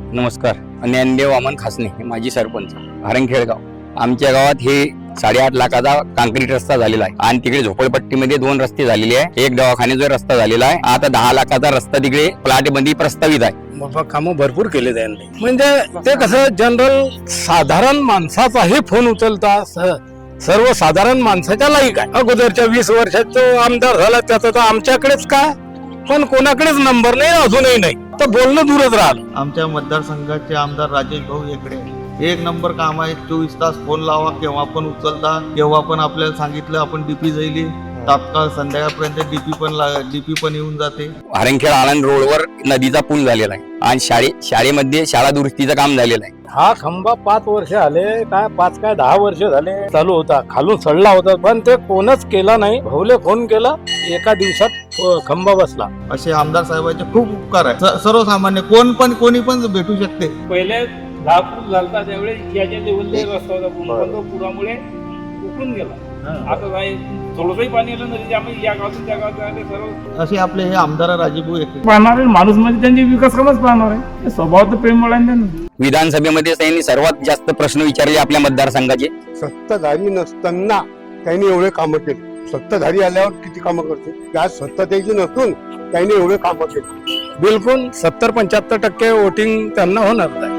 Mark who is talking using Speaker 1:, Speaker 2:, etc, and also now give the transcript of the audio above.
Speaker 1: नमस्कार. ज्ञानदेव वामन खासने, माजी सरपंच, हारणखेडगाव. आमच्या गावात हे 8.5 लाखाचा काँक्रीट रस्ता झालेला आहे आणि तिकडे झोपडपट्टीमध्ये 2 रस्ते झालेले आहे. एक दवाखान्याचा रस्ता झालेला आहे. आता 10 लाखाचा रस्ता तिकडे प्लॉट मध्ये प्रस्तावित आहे.
Speaker 2: बाबा कामं भरपूर केले त्यांनी. म्हणजे ते कसं जनरल साधारण माणसाचाही फोन उचलता सर्वसाधारण माणसाच्या लायक आहे. अगोदरच्या 20 वर्षात तो आमदार झाला त्याचा तर आमच्याकडेच का, पण कोणाकडेच नंबर नाही, अजूनही नाही. तर बोलणं दूरच राहिलं.
Speaker 3: आमच्या मतदारसंघाचे आमदार राजेश भाऊ येकडे एक नंबर काम आहे. 24 तास फोन लावा, केव्हा पण उचलता, केव्हा पण आपल्याला सांगितलं आपण डीपी जाईल तात्काळ संध्याकाळपर्यंत डीपी पण येऊन जाते.
Speaker 1: हारणखेड आळंद रोडवर नदीचा पूल झालेला आहे आणि शाळेमध्ये शाळा दुरुस्तीचं काम झालेलं आहे.
Speaker 2: हा खंबा 5 वर्ष आले काय 5 काय 10 वर्ष झाले चालू होता, खालून सडला होता, पण ते कोणच केला नाही. भाऊले फोन केला, एका दिवसात खंबा बसला.
Speaker 3: असे आमदार साहेबांचे खूप उपकार आहे. सर्वसामान्य कोणी पण भेटू शकते.
Speaker 4: पहिले 10 फूट झालता त्यावेळेस याच्या लेवलला रस्ता होता, पण तो पुरामुळे उकळून गेला. आता नाही थोडंसंही पाणी आलं नदी, त्यामुळे या गावातून त्या गावात सर्व
Speaker 3: असे आपले हे आमदार राजेभाऊ येकडे
Speaker 4: पाहणारे माणूस म्हणजे त्यांचे विकास कामच पाहणार आहे. स्वभाव तर प्रेम वळांना
Speaker 1: विधानसभेमध्ये त्यांनी सर्वात जास्त प्रश्न विचारले आपल्या मतदारसंघाचे.
Speaker 5: सत्ताधारी नसताना त्यांनी एवढे कामं केले. सत्ताधारी आल्यावर किती कामं करते, त्या सत्ता त्याची नसून त्यांनी एवढे कामं केले.
Speaker 2: बिलकुल 70-75% वोटिंग त्यांना होणार नाही.